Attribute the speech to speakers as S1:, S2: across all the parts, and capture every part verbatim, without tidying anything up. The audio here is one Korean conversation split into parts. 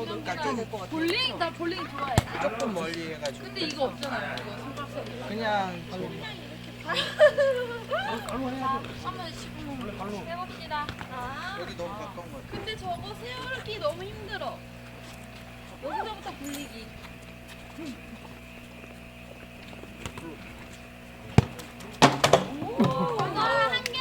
S1: 그러니까 좀
S2: 볼링? 나 볼링 좋아해.
S1: 조금 멀리 해가지고.
S2: 근데 이거 없잖아요. 이거 삼각선.
S1: 그냥
S2: 한번 시범 해봅시다. 아.
S1: 여기 너무 가까운 거 같아.
S2: 근데 저거 세우기 너무 힘들어. 여기서부터 굴리기. 오, 한 개.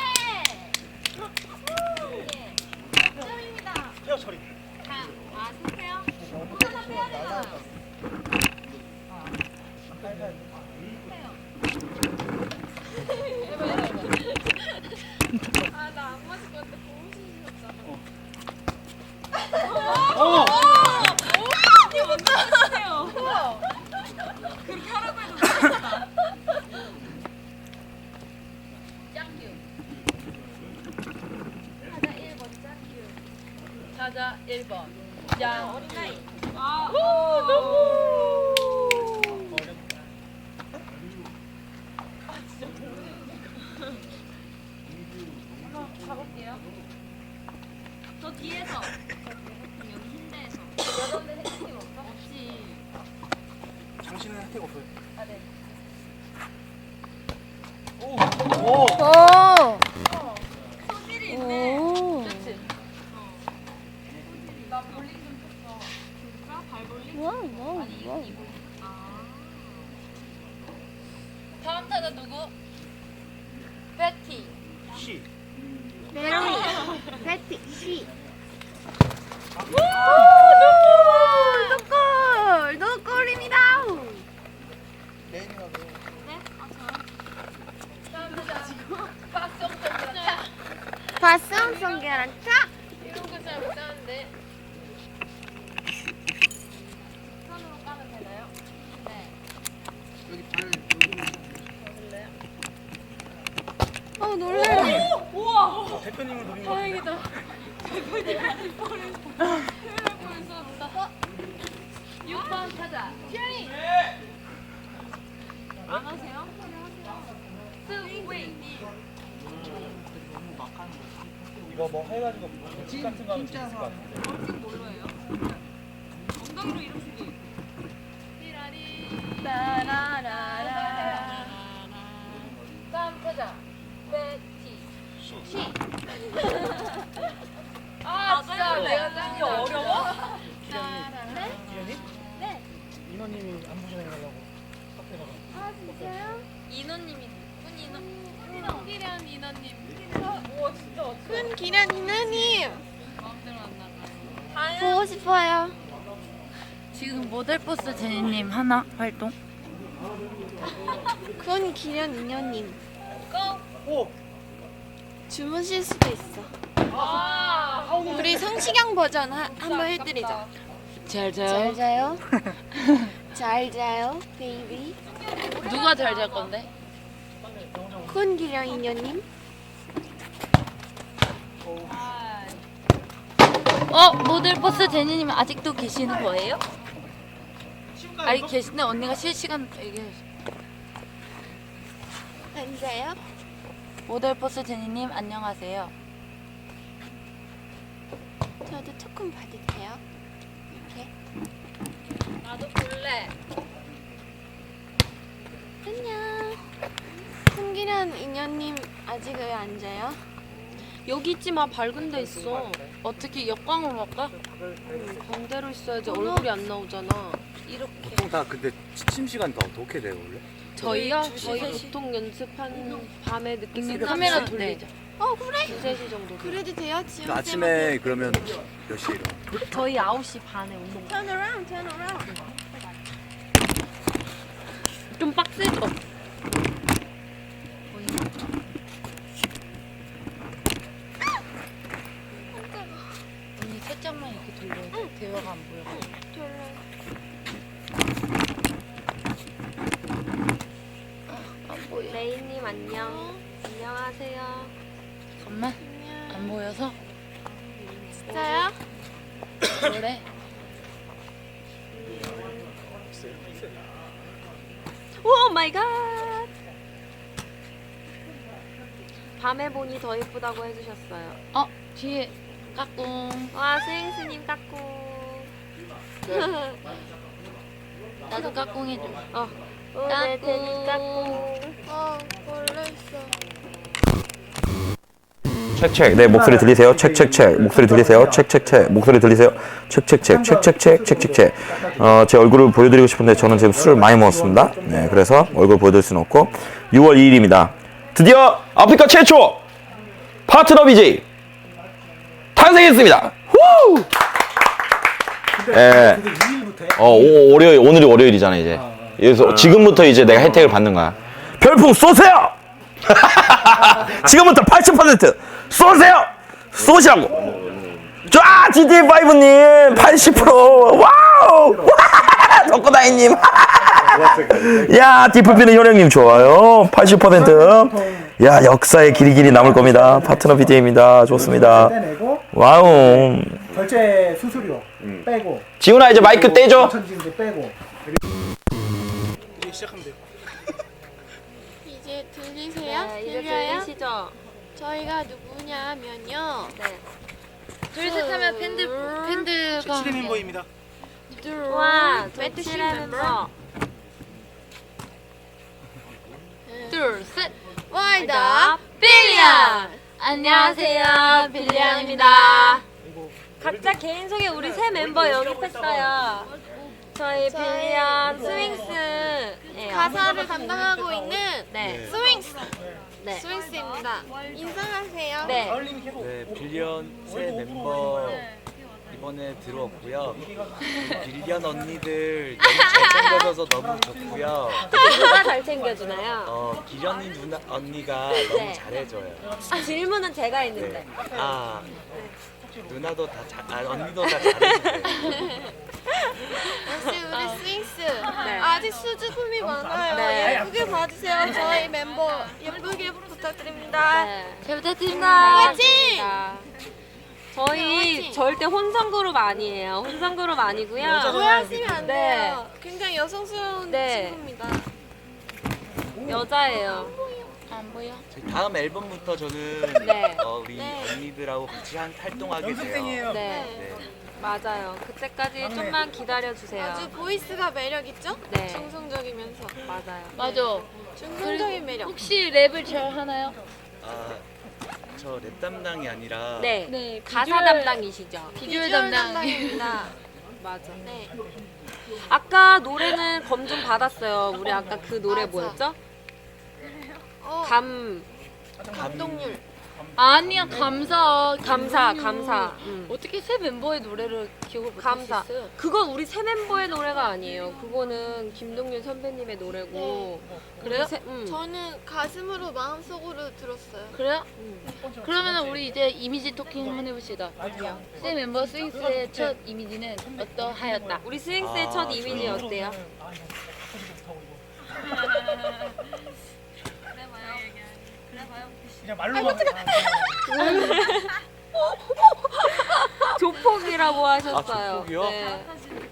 S2: 한 점입니다.
S3: 헤어 처리.
S2: 자, 아, 세세요. 하나 빼야 되잖아요. 아, 나 안 맞을 것 같아. 너무 신기하잖아.
S3: 어!
S2: 이거 못 따라해요. 그렇게 하라고 해도 못했다. 짱큐. 타자 일 번 짱큐. 타자 일 번. 짱. 어린아이. 아, 오, 너무. 아, 진짜 모르겠네. 한번 가볼게요. 저 뒤에서. 여기 흰대에서. 여자분들 혜택이 없어? 없지.
S3: 당신은 혜택 없어요.
S2: 아, 네.
S3: 오!
S4: 오!
S2: 어, 소질이 있네.
S4: 오!
S2: 그치? 어. 소질이. 나 볼링 좀 쳤어. 진짜? 발볼링?
S4: 와우, 와우,
S2: 아니, 이,
S4: 와우.
S2: 이 볼링. 아. 다음 타자 누구? 베티.
S3: 시.
S4: 메리, 패티, 시. 오! 노골! 노골입니다!
S1: 레인이가 왜?
S2: 네? 아, 저요? 다음 타자. 박성준 차.
S4: 발성 계란 차!
S2: 이런 거 잘 못하는데. 손으로 까면 되나요? 네.
S1: 여기 발 여기
S2: 먹을래요?
S4: 어, 놀래라.
S2: 우와!
S3: 대표님을 노린 거.
S2: 다행이다. 대표님 할 뻔했어. 큰일 날 뻔했어. 육 번 타자. 슈리! 안 하세요? 스윙!
S3: 이거 뭐 해가지고 집 같은 거 하면 재밌을 것 같은데.
S2: 벌칙 뭘로 해요? 엉덩이로 이러시기. 띠라리. 따라라라. 다음 타자. 베티. 시. 아, 진짜 내가 짠게 어려워? 네?
S3: 기현이?
S2: 네.
S3: 인호님이 안부 전해달라고 카페 가서.
S4: 아, 진짜요?
S2: 인호님이 군 인호. 훈기련 인호님. 우와, 진짜 어떡해.
S4: 큰 기란 이나님!
S2: 마음대로 안 나가.
S4: 보고 싶어요.
S5: 지금 모델버스 제니님 하나 활동?
S4: 큰 기란 이녀님.
S2: 고!
S3: 오!
S4: 주무실 수도 있어.
S2: 아,
S4: 우리 성시경 버전 하, 한번 해드리자.
S5: 잘
S4: 잘 자요? 잘 자요, 베이비.
S5: 누가 잘 잘 건데?
S4: 큰 기란 이녀님.
S5: 어? 모델버스 제니님 아직도 계시는 거예요? 아니 계신데 언니가 실시간 얘기해.
S4: 앉아요?
S5: 모델버스 제니님 안녕하세요.
S4: 저도 조금 봐도 돼요? 이렇게.
S2: 나도 볼래.
S4: 안녕. 큰기란 이녀님 아직 왜 안 자요?
S6: 여기 있지 마. 밝은 데 있어.
S5: 어떻게 역광으로 할까?
S6: 반대로 있어야지 얼굴이 안 나오잖아.
S2: 이렇게.
S7: 보통 다 근데 취침 시간 다 어떻게 돼요 원래?
S6: 저희요? 저희 보통 연습한 밤에 늦게
S5: 음,
S6: 끝나면
S5: 카메라
S6: 네.
S5: 돌리자.
S4: 어, 그래?
S6: 두세 시 정도.
S4: 그래도 돼요, 지금.
S7: 아침에 그러면 몇 시에 일어나?
S6: 저희 아홉 시 반에 운동.
S4: Turn around, turn around.
S6: 좀 빡세죠?
S5: 언니 살짝만 이렇게 돌려야 돼. 대화가 안 보여. 안 보여.
S6: 레이님 안녕. 안녕하세요.
S5: 잠깐만. 안 보여서?
S4: 진짜요?
S5: 그래.
S6: 오 마이 갓. 밤에 보니 더 예쁘다고 해주셨어요.
S5: 어 뒤에 까꿍.
S6: 와 스윙스님 깎고.
S5: 나도 까꿍 해줘.
S6: 어. 어, 네, 데니 까꿍.
S4: 어, 원래 있어.
S8: 책책 네 목소리 들리세요? 책책책 목소리 들리세요? 책책책 목소리 들리세요? 책책책 책책책 책책책 어, 제 얼굴을 보여드리고 싶은데 저는 지금 술을 많이 먹었습니다. 네, 그래서 얼굴 보여드릴 수는 없고 유월 이일입니다. 드디어 아프리카 최초 파트너 비제이 탄생했습니다. 후! 예. 어, 오, 월요일 오늘이 월요일이잖아 이제. 그래서 지금부터 이제 내가 혜택을 받는 거야. 별풍 쏘세요. 지금부터 팔십 퍼센트 쏘세요! 쏘시라고! 쫙! 지티에이 파이브님 팔십 퍼센트 와우! 와! 덕구다이님 야, 디플피는 효령님 좋아요. 팔십 퍼센트 야, 역사의 길이 길이 남을 겁니다. 파트너 비제이입니다. 좋습니다. 와우.
S3: 결제 수수료 빼고
S8: 지훈아 이제 마이크 떼줘.
S3: 천지인데 빼고
S1: 이제 시작하면 돼요.
S4: 이제 들리세요?
S6: 네, 이제
S4: 들려요?
S6: 들리시죠?
S4: 저희가 누구냐면요.
S6: 네.
S5: 둘셋 하면 팬들 팬들과
S1: 칠의 멤버입니다.
S6: 와,
S4: 매트
S6: 도치레 멤버.
S5: 둘셋
S4: 와이다
S5: 빌리언. 안녕하세요, 빌리언입니다.
S6: 각자 개인 소개 우리 새 멤버 영입했어요. 저희
S4: 저희
S6: 빌리언
S4: 네.
S6: 스윙스예요.
S4: 가사를 담당하고 있는
S6: 네.
S4: 스윙스
S6: 네.
S4: 스윙스입니다. 인사하세요.
S6: 네.
S7: 네, 빌리언 새 멤버 이번에 들어왔고요. 빌리언 언니들 너무 잘 챙겨줘서 너무 좋고요.
S6: 누가 잘 챙겨주나요?
S7: 어, 기련이 누나 언니가
S6: 네.
S7: 너무 잘해줘요.
S6: 질문은 제가
S7: 네.
S6: 있는데.
S7: 아, 누나도 다 잘, 아 언니도 다 잘해줘요.
S4: 역시 우리 스윙스
S6: 네.
S4: 아직 수줍음이 많아요.
S6: 네.
S4: 예쁘게 봐주세요. 저희 멤버 예쁘게 부탁드립니다.
S6: 네.
S5: 잘 부탁드립니다.
S4: 화이팅!
S6: 저희
S4: 화이팅!
S6: 절대 혼성 그룹 아니에요. 혼성 그룹 아니고요.
S4: 오해하시면 안
S6: 네.
S4: 돼요. 굉장히 여성스러운
S6: 네.
S4: 친구입니다.
S6: 여자예요.
S5: 안 보여?
S7: 저희 다음 앨범부터 저는
S6: 네.
S7: 어, 우리
S4: 네.
S7: 언니들하고 같이 한 활동하게 돼요.
S1: 연습생이에요.
S6: 네.
S7: 네.
S6: 맞아요. 그때까지 좀만 기다려 주세요.
S4: 아주 보이스가 매력 있죠?
S6: 네.
S4: 중성적이면서
S6: 맞아요.
S5: 맞아.
S4: 중성적인 매력.
S5: 혹시 랩을 잘 하나요?
S7: 아, 저 랩 담당이 아니라
S6: 네.
S5: 네,
S6: 가사
S5: 비주얼-
S6: 담당이시죠?
S5: 비주얼 담당.
S4: 담당입니다.
S6: 맞아.
S4: 네.
S6: 아까 노래는 검증 받았어요. 우리 아까 그 노래
S4: 맞아.
S6: 뭐였죠?
S4: 어,
S6: 감
S4: 감동률.
S5: 아니야, 감사.
S6: 감사
S5: 김동률.
S6: 감사. 음.
S5: 어떻게 새 멤버의 노래를 기억을 못할
S6: 감사.
S5: 수 있어요?
S6: 그건 우리 새 멤버의 노래가 아니에요. 그거는 김동률 선배님의 노래고.
S5: 그래요?
S6: 새, 음.
S4: 저는 가슴으로 마음속으로 들었어요.
S5: 그래요?
S6: 음.
S5: 그러면 우리 이제 이미지 토킹 한번 해봅시다. 새 멤버 스윙스의 첫 이미지는 어떠하였다?
S6: 우리 스윙스의
S7: 아,
S6: 첫 이미지
S7: 저요?
S6: 어때요?
S3: 그냥 말로만
S6: 조폭이라고 하셨어요.
S7: 조폭이요?
S6: 네.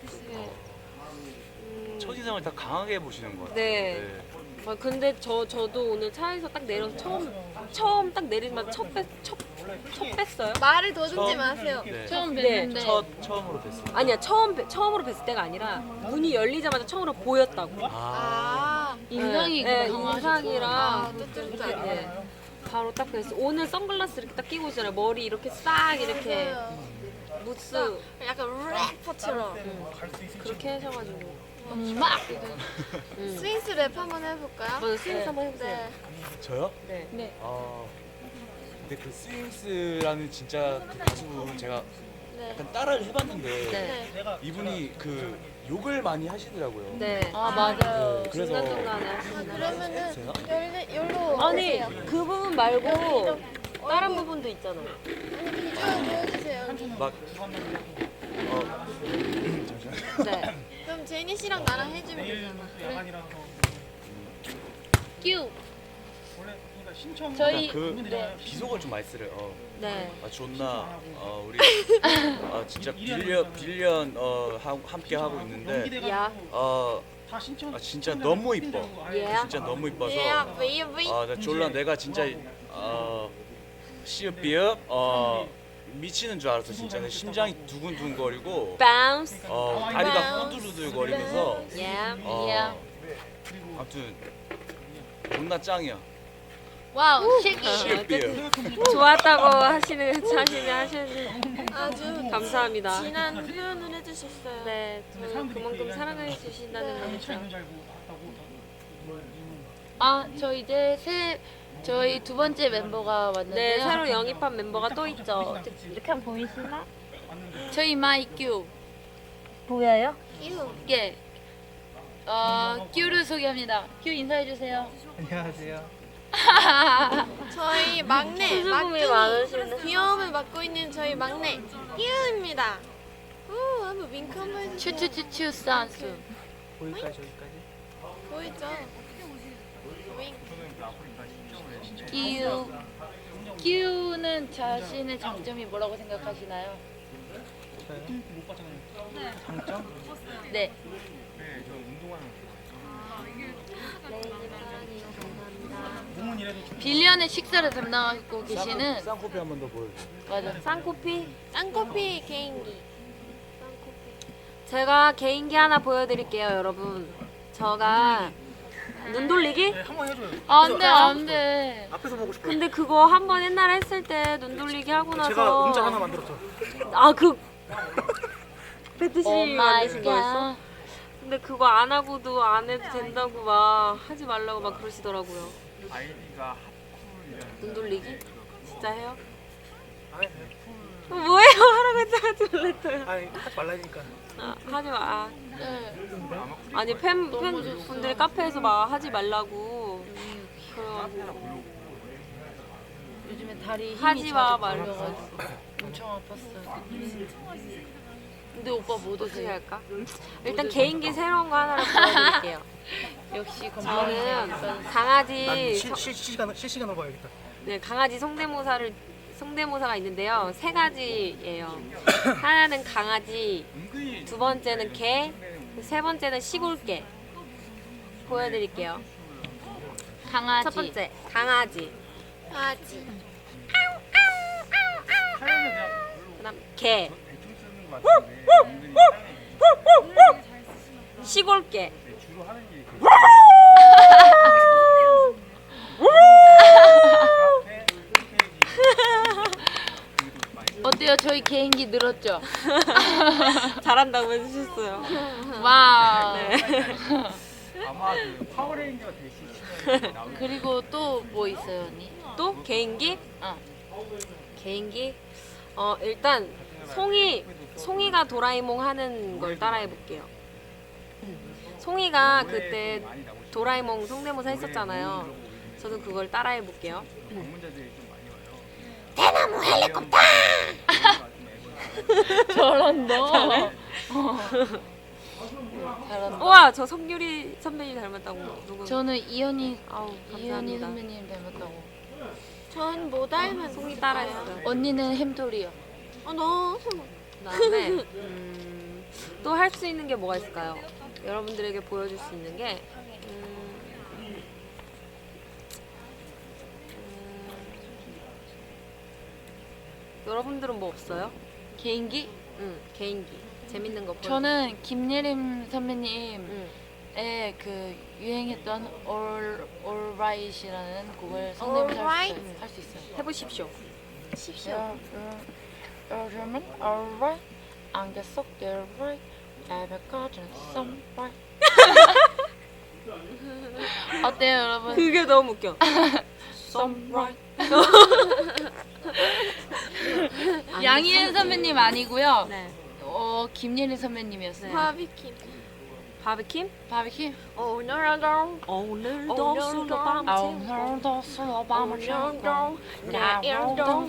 S7: 첫인상을 다 강하게 보시는 것 같아요.
S6: 네. 아, 근데 저 저도 오늘 차에서 딱 내려서 처음 처음 딱 내리자마자 첫 뺐, 첫, 첫 뺐어요?
S4: 말을 더듬지
S7: 처음-
S4: 마세요.
S7: 네.
S5: 처음
S6: 네,
S5: 뵀는데
S7: 첫 처음으로 뵀어요.
S6: 아니야 처음 뵀- 처음으로 뵀을 때가 아니라 문이 열리자마자 처음으로 보였다고.
S7: 아,
S4: 아,
S5: 인상이
S6: 네,
S5: 강하시고.
S6: 인상이랑
S4: 아, 뚜뚜뚜.
S6: 네. 바로 딱 뵀어. 오늘 선글라스 이렇게 딱 끼고 있잖아요. 머리 이렇게 싹 이렇게
S4: 맞아요.
S6: 무스
S4: 약간 래퍼처럼.
S6: 그렇게 하셔가지고.
S5: 막
S6: 음.
S4: 스윙스 랩 한번 해볼까요?
S6: 먼저 스윙스 한번 해보세요.
S4: 네.
S7: 저요?
S6: 네.
S5: 네.
S7: 아, 근데 그 스윙스라는 진짜 그 가수분 제가
S4: 네.
S7: 약간 따라를 해봤는데
S6: 네.
S4: 네.
S7: 이분이 그 욕을 많이 하시더라고요.
S6: 네.
S5: 아, 맞아요.
S7: 네, 그래서
S6: 중간중간에
S4: 아,
S6: 하시는.
S4: 그러면은
S7: 해주세요.
S4: 열리, 열로
S6: 아니
S4: 오세요.
S6: 그 부분 말고 다른 부분도 있잖아.
S4: 아니, 쭉 보여주세요.
S7: 막 어, 잠시만요.
S6: 네.
S4: 그럼 제니 씨랑 나랑 해주면 되잖아.
S5: 끼우.
S3: 원래 그러니까 신청
S5: 저희
S7: 그
S5: 네.
S7: 비속을 좀 많이 쓰래요. 어.
S6: 네.
S7: 아 존나 어, 우리 아, 진짜 빌리언 빌리언 어, 하, 함께 하고 있는데
S6: 야.
S7: 어,
S3: 다 신청
S7: 아, 진짜 너무 이뻐.
S6: 예.
S7: 진짜 너무 이뻐서
S4: 예, 베이비.
S7: 아, 나 졸라 내가 진짜 어 시읍 비읍 어 미치는 줄 알았어 진짜. 심장이 두근두근거리고
S6: bounce.
S7: 어 다리가 후들후들거리면서
S6: Yeah.
S7: 어
S5: Yeah.
S7: 아무튼 존나 짱이야.
S5: 와우, 쉐기.
S7: 쉐이크비어.
S6: 좋았다고 하시는 하시는 하시는
S4: 아주
S6: 감사합니다.
S4: 진한 표현을 해주셨어요.
S6: 네, 저 그만큼 사랑해 주신다는 거죠.
S5: 아, 저 이제 새 저희 두 번째 멤버가 왔는데요.
S6: 네, 새로 영입한 멤버가 또 있죠.
S5: 이렇게 하면 보이시나? 저희 마이큐.
S6: 보여요?
S4: 이유.
S5: 예. 어, 큐를 소개합니다. 큐 인사해 주세요.
S3: 안녕하세요.
S4: 저희 막내
S6: 수줍음이 많으시네.
S4: 막둥이 귀여움을 맡고 있는 저희 막내 이유입니다. 오, 한번 윙크 한번 해주세요.
S5: 추추추추 산수.
S3: 거기까지 저기까지.
S4: 보이죠? 윙크.
S5: 이유. 큐는 자신의 장점이 뭐라고 생각하시나요?
S3: 장점?
S5: 네. 빌리언의 식사를 담당하고 계시는
S7: 쌍코피 한 번 더 보여줘.
S5: 맞아.
S6: 쌍코피.
S4: 쌍코피 개인기.
S6: 제가 개인기 하나 보여드릴게요, 여러분. 저가 눈 돌리기?
S3: 한번 해줘요.
S5: 안돼 안돼.
S3: 앞에서 보고 싶어요.
S6: 근데 그거 한 번 옛날에 했을 때 눈 돌리기 하고 나서
S3: 제가 음짤 하나 만들었죠.
S6: 아, 그 배트씨
S5: 오 마이
S6: 만드신 거였어?
S5: 갓.
S6: 근데 그거 안 하고도 안 해도 된다고 막 하지 말라고 막 그러시더라고요.
S3: 아이디가
S6: 눈 돌리기? 진짜 해요?
S3: 아니,
S6: 어, 뭐예요? 하라고 했다가 하지 말랬어요.
S3: 아니 하지 말라니까.
S6: 아, 하지 마. 아.
S5: 네.
S6: 아니 팬, 팬분들 카페에서 막 하지 말라고 그래가지고
S5: 요즘에 다리 힘이
S6: 하지 마,
S5: 자주
S6: 말로.
S5: 걸려가지고 엄청 아팠어요. 근데 오빠 못
S6: 어떻게
S5: 오세요.
S6: 할까? 일단 개인기 새로운 거 하나를 보여드릴게요.
S5: 역시
S6: 저는
S5: 건강한
S6: 강아지
S3: 난 실,
S6: 성-
S3: 실, 실시간 실시간으로 봐야겠다.
S6: 네, 강아지 성대모사를 성대모사가 있는데요. 세 가지예요. 하나는 강아지, 두 번째는 개, 세 번째는 시골개. 보여드릴게요.
S5: 강아지.
S6: 첫 번째 강아지,
S4: 아지.
S6: 그다음 개, 시골개.
S5: 어때요? 저희 개인기 늘었죠?
S6: 잘한다고 해주셨어요.
S5: 와우.
S6: 네.
S3: 아마 그 파워레인저가 되시
S5: 그리고 또 뭐 있어요, 언니?
S6: 또 개인기?
S5: 어.
S6: 개인기? 어 일단 송이 송이가 도라에몽 하는 걸 따라해 볼게요. 송이가 그때 도라에몽 성대모사 했었잖아요. 저도 그걸 따라해 볼게요.
S5: 잘한다. 어. 잘한다.
S6: 우와, 저 성유리 선배님 닮았다고. 누구?
S5: 저는 이현이
S6: 아우
S5: 이현이
S6: 감사합니다.
S5: 선배님 닮았다고.
S4: 전 뭐 닮은
S6: 송이 따라했어요.
S5: 언니는 햄토리요.
S4: 어, 너무.
S6: 그다음에 음, 또 할 수 있는 게 뭐가 있을까요? 여러분들에게 보여줄 수 있는 게 음, 음, 여러분들은 뭐 없어요?
S5: 개인기?
S6: 응, 개인기 재밌는 거 보여.
S5: 저는 김예림 선배님의
S6: 응.
S5: 그 유행했던 All Alright이라는 곡을 성대모사
S4: Alright?
S5: 할수 있어요.
S6: 해보십시오.
S5: 여- 여- 요즘은 alright, 안개 속 alright, 에베까지는 sunlight. 어때요, 여러분?
S6: 그게 너무 웃겨.
S5: sunlight. 양희은 선배님 아니고요.
S6: 네.
S5: 어 김예린 선배님이었어요.
S4: 바비킴.
S6: 바비킴?
S5: 바비킴.
S4: 오늘도
S6: 오늘도 술 밤
S5: 아,
S6: 채우고
S5: 오늘도 술 밤을 새우고
S4: 내일도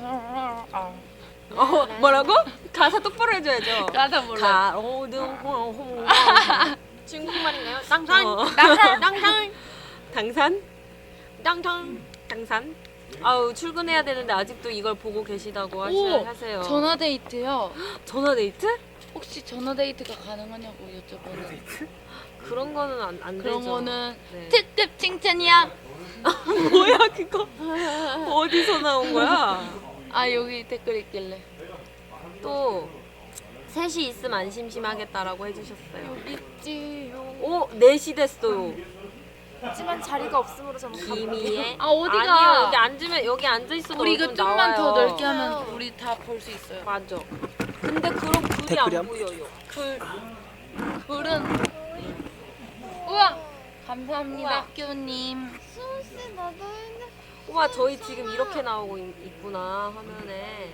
S6: 어, 뭐라고? 가사 똑바로 해줘야죠.
S5: 가사 몰라.
S6: 가로등 홍홍
S4: 중국말인가요? 땅산.
S6: 어.
S4: 땅산.
S6: 당산?
S4: 땅산.
S6: 당산? 아우 출근해야 되는데 아직도 이걸 보고 계시다고 하시,
S5: 오,
S6: 하세요.
S5: 전화 데이트요.
S6: 전화 데이트?
S5: 혹시 전화 데이트가 가능하냐고 여쭤보는.
S6: 그런 거는 안, 안
S5: 그런
S6: 되죠.
S5: 거는
S6: 네.
S5: 특급 칭찬이야.
S6: 뭐야 그거? 어디서 나온 거야?
S5: 아 여기 댓글 있길래.
S6: 또 셋이 있으면 안 심심하겠다라고 해주셨어요.
S4: 있지요.
S6: 오, 넷이 됐어요.
S4: 하지만 자리가 없으므로 저는
S6: 김희애.
S5: 아, 어디가?
S6: 아니요, 여기 앉으면 여기 앉아 있어도
S5: 우리 이거
S6: 얼굴
S5: 좀만 더
S6: 나와요.
S5: 넓게 하면 우리 다 볼 수 있어요.
S6: 맞아. 근데 그런 글이 안
S1: 댓글이 안
S6: 보여요.
S5: 글 글은 우와 감사합니다 큐님.
S4: 수씨 나도 했네.
S6: 우와, 저희 지금 이렇게 나오고 있, 있구나 화면에.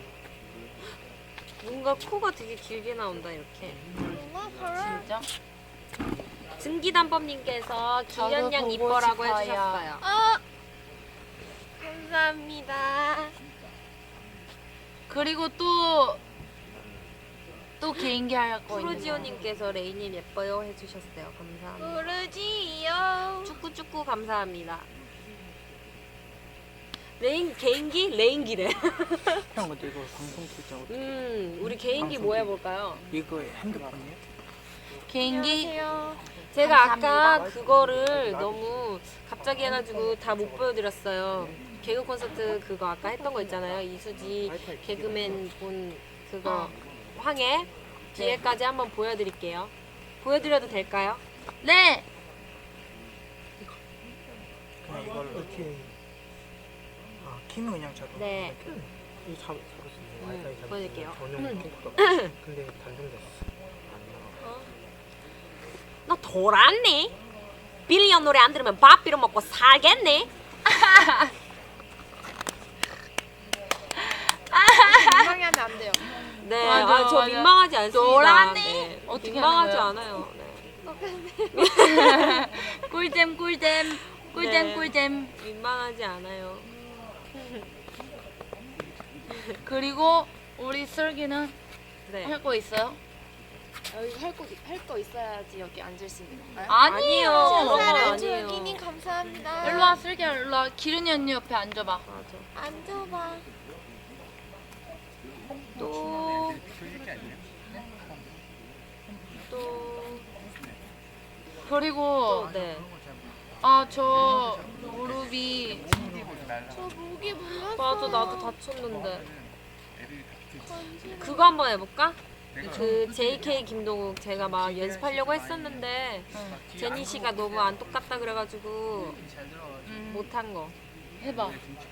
S6: 뭔가 코가 되게 길게 나온다 이렇게.
S5: 진짜?
S6: 증기단법님께서
S5: 저도
S6: 기련양
S5: 보고
S6: 이뻐라고
S5: 싶어요.
S6: 해주셨어요.
S4: 아 감사합니다.
S5: 그리고 또 또 개인기 할 거 있는 거.
S6: 프로지오님께서 레이님 예뻐요 해주셨어요. 감사합니다.
S4: 모르지요.
S6: 축구 축구 감사합니다. 레인 개인기 레인기래.
S1: 형 근데 이거 방송 출장
S6: 음, 우리 개인기 뭐 해볼까요?
S1: 이거 핸드폰이에요?
S5: 개인기
S4: 안녕하세요.
S6: 제가
S5: 감사합니다.
S6: 아까 그거를 너무 갑자기 해가지고 다 못 보여드렸어요. 개그 콘서트 그거 아까 했던 거 있잖아요. 이수지 개그맨 본 그거 황해 뒤에까지 한번 보여드릴게요. 보여드려도 될까요?
S5: 네.
S1: 그냥 이걸로 이렇게 아 키는 그냥 잡아.
S6: 네.
S1: 이거 잡 잡았어요.
S6: 음,
S1: 와이파이 잡았어요.
S6: 보여드릴게요.
S1: 전용 킹크도. 근데 단종됐어.
S6: 너 돌았니? 빌리언 노래 안 들으면 밥 비려 먹고 살겠니?
S4: 민망해하면 안 돼요.
S6: 네,
S5: 맞아,
S6: 아, 저
S5: 맞아.
S6: 민망하지 않습니다.
S5: 돌았니?
S6: 네.
S5: 어떻게
S6: 민망하지
S5: 하는
S6: 않아요. 네.
S5: 꿀잼 꿀잼 꿀잼
S6: 네.
S5: 꿀잼.
S6: 민망하지 않아요.
S5: 그리고 우리 슬기는
S6: 네.
S5: 할 거 있어요?
S4: 여기 할거할 있어야지 여기 앉을 수 있는 건가요?
S5: 아니에요.
S6: 그런 거
S4: 사랑
S6: 아니에요.
S4: 조기님 감사합니다.
S5: 일로 와 슬기야 일로 와. 기른이 언니 옆에 앉아봐.
S6: 맞아.
S4: 앉아봐.
S6: 또, 또,
S5: 그리고
S6: 네.
S5: 아 저 무릎이
S4: 저 목이 물렸어요.
S6: 맞아, 나도 다쳤는데. 그거 한번 해볼까? 그 제이케이 김동욱 제가 막 연습하려고 했었는데 제니 씨가 너무 안 똑같다 그래가지고
S5: 음,
S6: 못한 거.
S5: 해봐.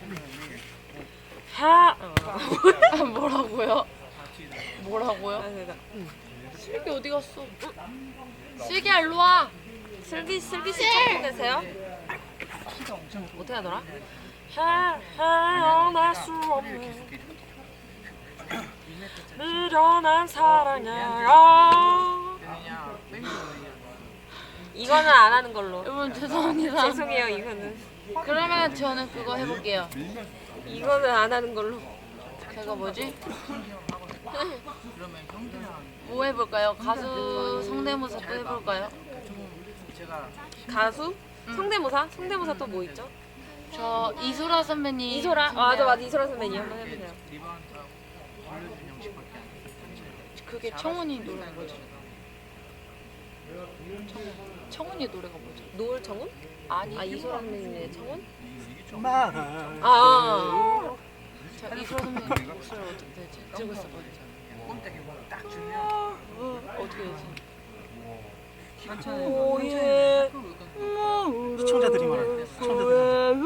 S6: 하.
S5: 아, 뭐라고요? 뭐라고요?
S6: 아, 그러니까.
S5: 슬기 어디 갔어? 슬기야 일로 와.
S6: 슬기 슬기 씨 찾고 계세요? 어떻게 하더라? 헤어날 수 없는 미련한 사랑이야. 이거는 안 하는 걸로.
S5: 여러분 죄송합니다.
S6: 죄송해요, 이거는.
S5: 그러면 저는 그거 해볼게요.
S6: 이거는 안 하는 걸로.
S5: 제가 뭐지? 뭐 해볼까요? 가수 성대모사 또 해볼까요?
S6: 가수? 성대모사? 성대모사 또 뭐 있죠?
S5: 저 이소라 선배님.
S6: 이소라? 아, 맞아, 맞아. 이소라 선배님 한번 해보세요.
S5: 그게 청훈이 노래가 뭐죠? 청훈. 청훈이 노래가 뭐죠?
S6: 노을 청혼?
S5: 아니.
S6: 아, 이소라 선배님의 청혼?
S1: 마.
S6: 아,
S5: 저 이소라 선배님 목소리 어떻게 되지? 들고 있었거든요. 어떻게 되지?
S6: 오예.
S1: 시청자들이 말하는 시청자들이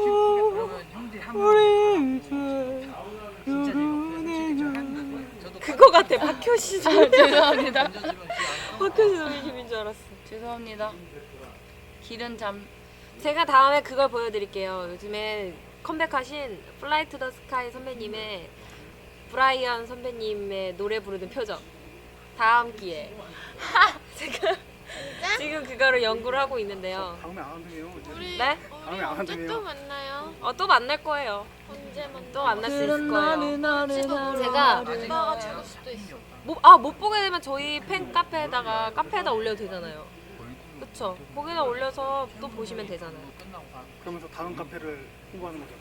S6: 그거 같아. 박효신
S5: 아, 죄송합니다.
S6: 박효신 선배님인 줄 알았어.
S5: 죄송합니다. 길은 잠.
S6: 제가 다음에 그걸 보여드릴게요. 요즘에 컴백하신 플라이 투 더 스카이 선배님의 브라이언 선배님의 노래 부르는 표정. 다음 기회에. 제가 지금 그거를 연구를 하고 있는데요.
S1: 다음에 안 한대요.
S4: 우리
S6: 네?
S4: 우리
S1: 다음에 안
S4: 언제
S1: 한대요.
S4: 또 만나요?
S6: 어, 또 만날 거예요.
S4: 언제 만나?
S6: 또 만날 수 있을 거예요. 제가
S4: 오빠가 죽을 수도 있어.
S6: 못, 아, 못 보게 되면 저희 팬 카페에다가 카페에다 올려도 되잖아요. 그쵸? 거기다 올려서 또 보시면 되잖아요.
S1: 그러면서 다음 카페를 홍보하는 거죠.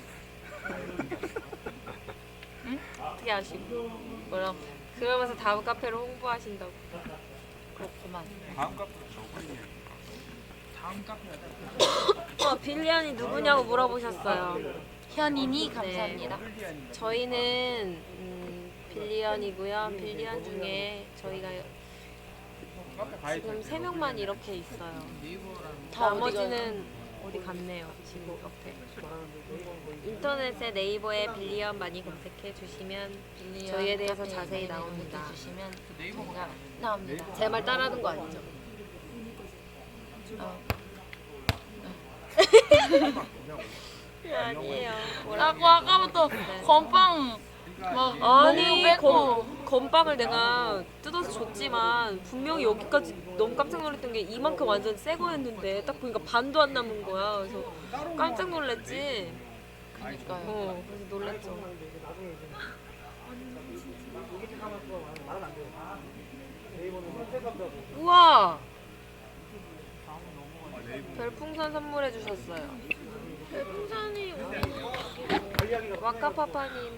S6: 어떻게 하시고? 뭐라고? 그러면서 다음 카페를 홍보하신다고.
S5: 그렇구만.
S6: 어, 빌리언이 누구냐고 물어보셨어요.
S5: 현인이 감사합니다.
S6: 저희는 음, 빌리언이고요. 빌리언 중에 저희가 지금 세 명만 이렇게 있어요.
S5: 다
S6: 나머지는 어디 갔네요. 지금 옆에. 인터넷에 네이버에 빌리언 많이 검색해 주시면 저희에 대해서 자세히 나옵니다.
S5: 주시면 저희가 나옵니다.
S6: 제 말 따라하는 거 아니죠?
S5: 어.
S6: 아니에요.
S5: 나고 아까부터 건빵 막
S6: 아니
S5: 빼고
S6: 검, 건빵을 내가 뜯어서 줬지만 분명히 여기까지 너무 깜짝 놀랐던 게 이만큼 완전 새 거였는데 딱 보니까 반도 안 남은 거야. 그래서 깜짝 놀랐지.
S5: 그러니까요.
S6: 어, 그래서 놀랐죠. 우와! 별풍선 선물해 주셨어요.
S4: 별풍선이
S6: 와카파파님.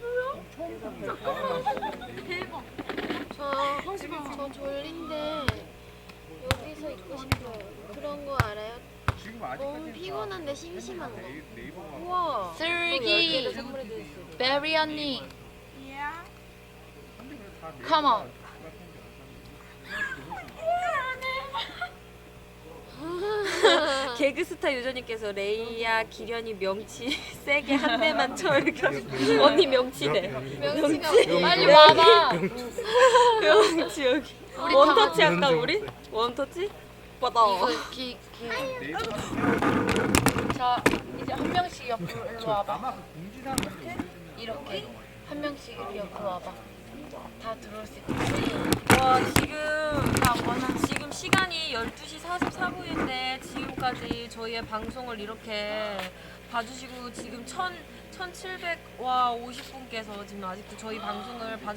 S4: 저, 저 졸린데 여기서 있고 싶어요. 그런 거 알아요? 너무 피곤한데 심심한 거.
S6: 우와!
S5: 슬기
S6: 선물해 주셨어요.
S5: 베리 언니 Come on.
S6: 개그스타 유저님께서 레이야 기련이 명치 세게 한 대만 쳐 이렇게 언니 명치래.
S4: 명치가
S5: 빨리 와봐.
S6: 명치 여기. 원터치 할까 우리? 원터치? 받아.
S5: 이거 기, 기. 자 이제 한 명씩 옆으로 일로 와봐. 이렇게 한 명씩 이렇게 옆으로 와봐. 다 들어올 수 있게.
S6: 와 지금 지금 시간이 열두 시 사십사 분인데 지금까지 저희의 방송을 이렇게 봐주시고 지금 천, 천칠백 와 오십 분께서 지금 아직도 저희 방송을 봐